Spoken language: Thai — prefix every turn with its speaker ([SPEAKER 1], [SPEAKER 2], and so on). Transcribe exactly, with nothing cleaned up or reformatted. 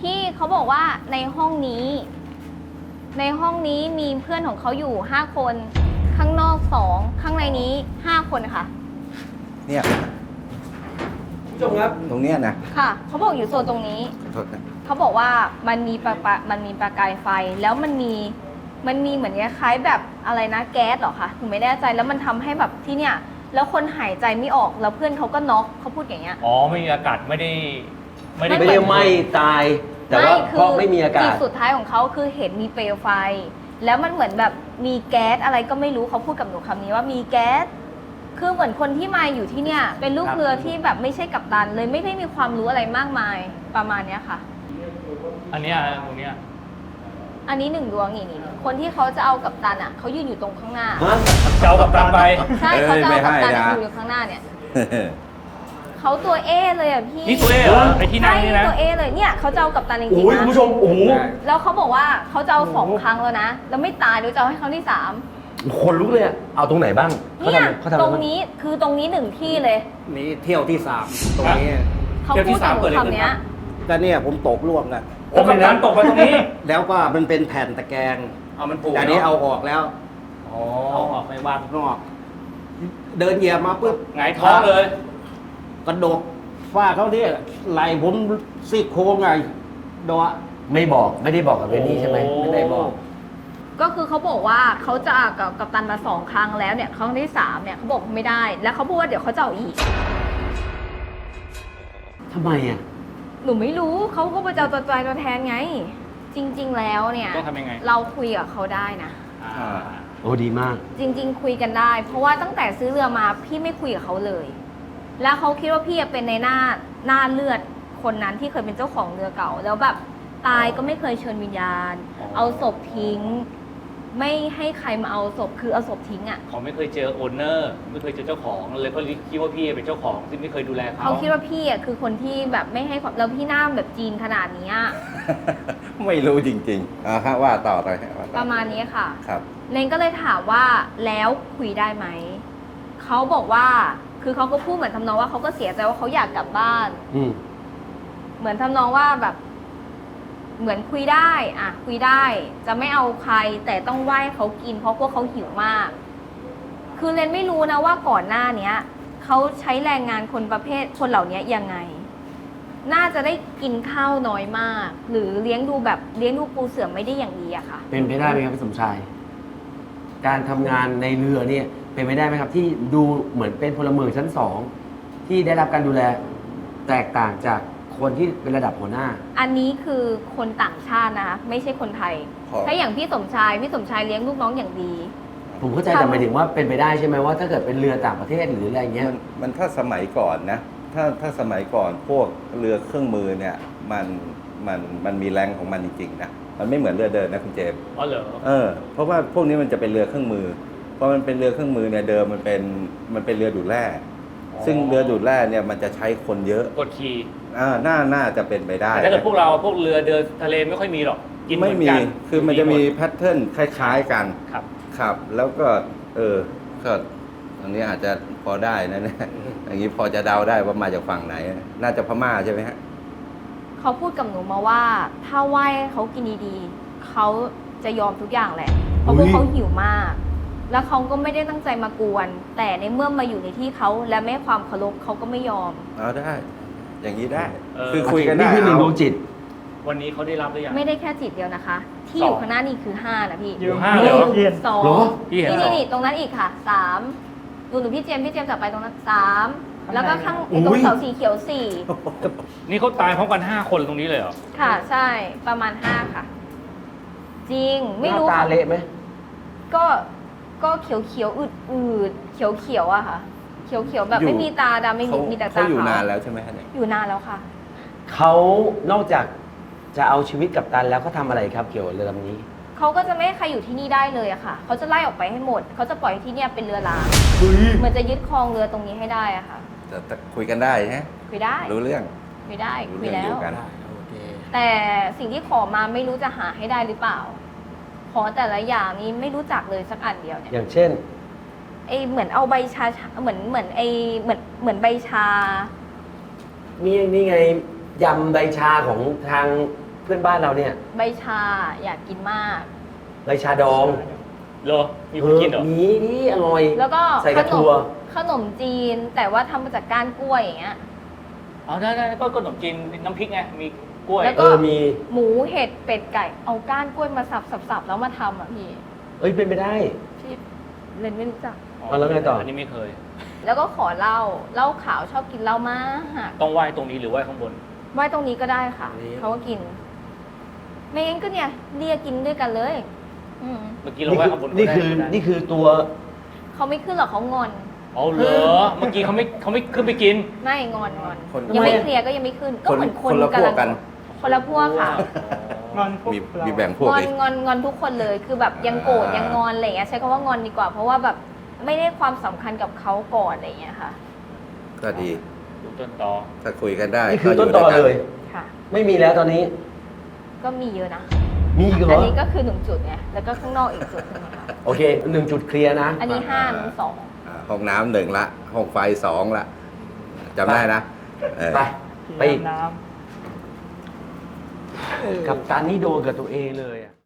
[SPEAKER 1] พี่เขาบอกว่าในห้องนี้ ในห้องนี้มีเพื่อนของเขาอยู่ห้าคนข้างนอกสองข้างในนี้ห้าคนค่ะ
[SPEAKER 2] เนี่ย
[SPEAKER 3] ผู้ชมครับ
[SPEAKER 2] ตรงเนี้ยนะ
[SPEAKER 1] ค่ะเขาบอกอยู่โซนตรงนี้เขาบอกว่ามันมีประปะมันมีประกายไฟแล้วมันมีมันมีเหมือนคล้ายแบบอะไรนะแก๊สเหรอคะหนูไม่แน่ใจแล้วมันทำให้แบบที่เนี่ยแล้วคนหายใจไม่ออกแล้วเพื่อนเขาก็น็อกเขาพูดอย่างเงี้ย
[SPEAKER 3] อ๋อไม่มีอากาศไม่ได้
[SPEAKER 4] ไม่ได้ไม่ได้ไหม้ตายแต่ว่าเพราะไม่มีอากาศ
[SPEAKER 1] จุดสุดท้ายของเขาคือเห็นมีเปลวไฟแล้วมันเหมือนแบบมีแก๊สอะไรก็ไม่รู้เขาพูดกับหนูคำนี้ว่ามีแก๊สคือเหมือนคนที่มาอยู่ที่เนี่ยเป็นลูกเรือที่แบบไม่ใช่กัปตันเลยไม่ได้มีความรู้อะไรมากมายประมาณเนี้ยค่ะ
[SPEAKER 3] อันเนี้ยตรงเนี้ย
[SPEAKER 1] อันนี้หนึ่งดวงนี่นี่คนที่เขาจะเอากัปตันอ่ะเขายืนอยู่ตรงข้างหน้า
[SPEAKER 3] จะเอากัปตันไป
[SPEAKER 1] ใช่เขาจะเอากัปตันอยู่อยู่ข้างหน้าเนี่ยเขาตัวเอเลยอ่ะพี่
[SPEAKER 3] นี่ตัวเอเหรอไอที่นั่งนี่นะ
[SPEAKER 1] ตัวเอเลยเนี่ยเขาจะเอากัปตันจริงๆนะ
[SPEAKER 4] โอ้ยคุณผู้ชมโอ้โห
[SPEAKER 1] แล้วเขาบอกว่าเขาจะเอาสองครั้งแล้วนะแล้วไม่ตายเดี๋ยวจะเอาให้ครั้งที่สาม
[SPEAKER 4] คนลุกเลยเอาตรงไหนบ้าง
[SPEAKER 1] เนี่ยตรงนี้คือตรงนี้หนึ่งที่เลย
[SPEAKER 2] นี่เที่ยวที่สามตรงนี้
[SPEAKER 1] เขาพูดกับคำนี้
[SPEAKER 2] ก็เนี่ยผมตกล่วงกัน
[SPEAKER 3] โอ้กัปตันตกมาตรงนี้
[SPEAKER 2] แล้วก็มันเป็นแผ่นตะแกรง
[SPEAKER 3] เอามันปู
[SPEAKER 2] แต่นี้เอาออกแล้ว
[SPEAKER 3] อ๋อเอาออกไปวาง
[SPEAKER 2] นอกเดินเหยียบมาปุ๊บ
[SPEAKER 3] หงายท้องเลย
[SPEAKER 2] กระโดดฟาดเขาเนี่ยไหลผมซี่โครงไงโดะ
[SPEAKER 4] ไม่บอกไม่ได้บอกกับเรนนี่ใช่ไหมไม่ได้บอก
[SPEAKER 1] ก็คือเขาบอกว่าเขาจะกับกัปตันมาสองครั้งแล้วเนี่ยครั้งที่สามเนี่ยเขาบอกไม่ได้แล้วเขาพูดว่าเดี๋ยวเขาจะเอาอีก
[SPEAKER 4] ทำไมอ่ะ
[SPEAKER 1] หนูไม่รู้เขาก็ไปเจ้าตัวใจตัวแทนไงจริงๆแล้วเนี่ย
[SPEAKER 3] ต้องทำยังไง
[SPEAKER 1] เราคุยกับเขาได้นะ
[SPEAKER 4] โอ้ดีมาก
[SPEAKER 1] จริงๆคุยกันได้เพราะว่าตั้งแต่ซื้อเรือมาพี่ไม่คุยกับเขาเลยแล้วเขาคิดว่าพี่เป็นในหน้าหน้าเลือดคนนั้นที่เคยเป็นเจ้าของเรือเก่าแล้วแบบตายก็ไม่เคยเชิญวิญญาณเอาศพทิ้งไม่ให้ใครมาเอาศพคือเอาศพทิ้งอ่ะ
[SPEAKER 3] เขาไม่เคยเจอโอนเนอร์ไม่เคยเจอเจ้าของเลยเขาคิดว่าพี่เป็นเจ้าของซึ่งไม่เคยดูแลเขา
[SPEAKER 1] เขาคิดว่าพี่อ่ะคือคนที่แบบไม่ให้ความแล้วพี่หน้าแบบจีนขนาดนี้
[SPEAKER 2] ไม่รู้จริงๆอ่าฮะว่าต่อไป
[SPEAKER 1] ประมาณนี้ค่ะ
[SPEAKER 2] ครับ
[SPEAKER 1] เลนก็เลยถามว่าแล้วคุยได้ไหมเขาบอกว่าคือเขาก็พูดเหมือนทำนองว่าเขาก็เสียใจว่าเขาอยากกลับบ้านเหมือนทำนองว่าแบบเหมือนคุยได้อ่ะคุยได้จะไม่เอาใครแต่ต้องไหว้เขากินเพราะพวกเขาหิวมากคือเรนไม่รู้นะว่าก่อนหน้าเนี้ยเขาใช้แรงงานคนประเภทคนเหล่านี้ยังไงน่าจะได้กินข้าวน้อยมากหรือเลี้ยงดูแบบเลี้ยงดูปูเสือไม่ได้อย่างดีอะค่ะ
[SPEAKER 4] เป็นไปได้ไหมครับพี่สมชายการทำงานในเรือเนี่ยเป็นไปได้ไหมครับที่ดูเหมือนเป็นพลเมืองชั้นสองที่ได้รับการดูแลแตกต่างจากคนที่เป็นระดับหัวหน้า
[SPEAKER 1] อันนี้คือคนต่างชาตินะคะไม่ใช่คนไทยถ้าอย่างพี่สมชายพี่สมชายเลี้ยงลูกน้องอย่างดี
[SPEAKER 4] ผมเข้าใจแต่หมายถึงว่าเป็นไปได้ใช่ไหมว่าถ้าเกิดเป็นเรือต่างประเทศหรืออะไรเงี้ย
[SPEAKER 2] มันมันถ้าสมัยก่อนนะถ้าถ้าสมัยก่อนพวกเรือเครื่องมือเนี่ยมันมันมันมีแรงของมันจริงๆนะมันไม่เหมือนเรือเดินนะคุณเจมส์
[SPEAKER 3] อ๋อเหรอ
[SPEAKER 2] เออเพราะว่าพวกนี้มันจะเป็นเรือเครื่องมือพอมันเป็นเรือเครื่องมือเนี่ยเดิมมันเป็นมันเป็นเรือดูดแร่ซึ่งเรือดูดแร่เนี่ยมันจะใช้คนเยอะ
[SPEAKER 3] กดขี่
[SPEAKER 2] อ่าน่าน่าจะเป็นไปได้
[SPEAKER 3] แต่ถ้าเกิดพวกเราพวกเรือเดินทะเลไม่ค่อยมีหรอก
[SPEAKER 2] กินไม่มีคือมันจะมีแพทเทิร์นคล้ายๆกัน
[SPEAKER 3] ครับ
[SPEAKER 2] ครับแล้วก็เออก็ตรงนี้อาจจะพอได้นะเนี่ยอย่างนี้พอจะเดาได้ว่ามาจากฝั่งไหนน่าจะพม่าใช่ไหมฮะ
[SPEAKER 1] เขาพูดกับหนูมาว่าถ้าไหว้เขากินดีๆเขาจะยอมทุกอย่างแหละเพราะพวกเขาหิวมากแล้วเขาก็ไม่ได้ตั้งใจมากวนแต่ในเมื่อมาอยู่ในที่เขาและไม่ให้ความเคารพเขาก็ไม่ยอม
[SPEAKER 2] เอาได้อย่างนี้ได้คือคุยกันได้
[SPEAKER 4] นี่คือหนึ่งดวงจิต
[SPEAKER 3] วันนี้เขาได้รับหรือยัง
[SPEAKER 1] ไม่ได้แค่จิตเดียวนะคะที่อยู่ข้างหน้านี่คือห้านะพี่
[SPEAKER 3] อยู่ห้าเหรอ
[SPEAKER 1] สองนี่นี่ตรงนั้นอีกค่ะสามดูหนูพี่เจมพี่เจมจับไปตรงนั้นสามแล้วก็ข้างตรงเสาสีเขียวสี่
[SPEAKER 3] นี่เขาตายพร้อมกันห้าคนตรงนี้เลยเหรอ
[SPEAKER 1] ค่ะใช่ประมาณห้าค่ะจริงไม่รู้
[SPEAKER 4] ตาเละไหม
[SPEAKER 1] ก็ก็เขียวเขียวอืดอืดเขียวเขียวอะค่ะเขียวเขียวแบบไม่มีตาดำไม่มีมีแต่ตาขาว
[SPEAKER 2] เขาอยู่นานแล้วใช่ไหมคะเนี่ย
[SPEAKER 1] อยู่นานแล้วค่ะ
[SPEAKER 4] เขานอกจากจะเอาชีวิตกัปตันแล้วเขาทำอะไรครับเกี่ยวกับเรือลำนี้
[SPEAKER 1] เขาก็จะไม่ให้ใครอยู่ที่นี่ได้เลยอะค่ะเขาจะไล่ออกไปให้หมดเขาจะปล่อยที่เนี่ยเป็นเรือร้างเหมือนจะยึดครองเรือตรงนี้ให้ได้อะค่ะ
[SPEAKER 2] แต่คุยกันได้ฮะ
[SPEAKER 1] คุยได้
[SPEAKER 2] รู้เรื่อง
[SPEAKER 1] คุยได้คุยแล้ว
[SPEAKER 2] โอเค
[SPEAKER 1] แต่สิ่งที่ขอมาไม่รู้จะหาให้ได้หรือเปล่าขอแต่ละอย่างนี้ไม่รู้จักเลยสักอันเดียวเนี่ย
[SPEAKER 4] อย่างเช่น
[SPEAKER 1] ไอเหมือนเอาใบชาเหมือนเหมือนไอเหมือนเหมือนใบชา
[SPEAKER 4] นี่นี่ไงยำใบชาของทางเพื่อนบ้านเราเนี่ย
[SPEAKER 1] ใบชาอยากกินมาก
[SPEAKER 4] ใบชาดอง
[SPEAKER 3] เหรอมีคนกินเหรอ
[SPEAKER 4] มีนี่อร่อย
[SPEAKER 1] แล้วก็
[SPEAKER 4] ใส่
[SPEAKER 1] ข
[SPEAKER 4] กระ
[SPEAKER 1] น
[SPEAKER 4] ถั่
[SPEAKER 1] ม
[SPEAKER 4] ว
[SPEAKER 1] ขนมจีน แต่ว่าทำมาจากก้านกล้วยอย่างเงี้ย
[SPEAKER 3] อ๋อได้ได้ก็ขนมจีนน้ำพริกไงมีกล้วย
[SPEAKER 1] แล้ว
[SPEAKER 4] เอ
[SPEAKER 1] ก็
[SPEAKER 4] อมี
[SPEAKER 1] หมูเห็ดเป็ดไก่เอาก้านกล้วยมาสับสับสับแล้วมาทำอ่ะพี่
[SPEAKER 4] เอ้ยเป็นไปได้
[SPEAKER 1] ที่เรนไม่รู้จัก
[SPEAKER 4] เอาแล้วไงต่ออั
[SPEAKER 3] นนี้ไม่เคย
[SPEAKER 1] แล้วก็ขอเหล้าเหล้าขาวชอบกินเหล้ามาก
[SPEAKER 3] ต้องไหว้ตรงนี้หรือไหว้ข้างบน
[SPEAKER 1] ไว้ตรงนี้ก็ได้ค่ะ เขาก็กิน ไม่งั้นก็เนี่ยเรียกกินด้วยกันเลย อืม
[SPEAKER 3] เมื่อกี้เราไหว้ข้างบน
[SPEAKER 4] นี่คือ
[SPEAKER 3] ก็ได้
[SPEAKER 4] นี่คือตัว
[SPEAKER 1] เขาไม่ขึ้นหรอกเขางอน
[SPEAKER 3] อ๋อเหรอเมื่อกี้เขาไม่เขาไม่ขึ้นไปกิน
[SPEAKER 1] ไม่งอนงอน
[SPEAKER 2] คน
[SPEAKER 1] ยังไม่
[SPEAKER 4] ทำไมอะ
[SPEAKER 1] เคลียร์ก็ยังไม่ขึ้น ก็
[SPEAKER 2] คน
[SPEAKER 1] เหมือนคน
[SPEAKER 2] คนละพวกกัน
[SPEAKER 1] คนละพวกค่ะ
[SPEAKER 5] งอนพวก
[SPEAKER 2] มี
[SPEAKER 5] เรา
[SPEAKER 2] มีแบ่งพวก
[SPEAKER 1] งอน
[SPEAKER 2] อีก
[SPEAKER 1] งอนงอนทุกคนเลย คือแบบยังโกรธ
[SPEAKER 2] อ่ายั
[SPEAKER 1] ยังงอนอะไรอย่างเงี้ยใช้คำว่างอนดีกว่า เพราะว่าแบบไม่ได้ความสำคัญกับเขาก่อนอะไรอย่างเงี้ยค่ะ
[SPEAKER 2] ก็ดี
[SPEAKER 3] ดูต้นตอ
[SPEAKER 2] ถ้าคุยกันได้
[SPEAKER 4] นี่คือ
[SPEAKER 2] ก็
[SPEAKER 4] ต้น
[SPEAKER 2] ยู่
[SPEAKER 4] ตอ
[SPEAKER 2] ด้วยกั
[SPEAKER 4] เลย
[SPEAKER 1] ค่ะ
[SPEAKER 4] ไม่มีแล้วตอนนี้
[SPEAKER 1] ก็มีเยอะนะ
[SPEAKER 4] มีอีกเหร
[SPEAKER 1] อัน
[SPEAKER 4] อ
[SPEAKER 1] นี้ก็คือหนึ่งจุดไง แล้วก็ข้างนอกอีกจุดหนึงอะค่ะ
[SPEAKER 4] โอเคหนึ่งจุดเคลียร์นะ
[SPEAKER 1] อันนี้ห้านี้สอง
[SPEAKER 2] อ่าห้องน้ำหนึ่งละ ห้องไฟสองละจำได้นะเออ
[SPEAKER 4] ไป ไป
[SPEAKER 5] น้
[SPEAKER 4] กับการนี่โดนกับตัวเองเลยอะ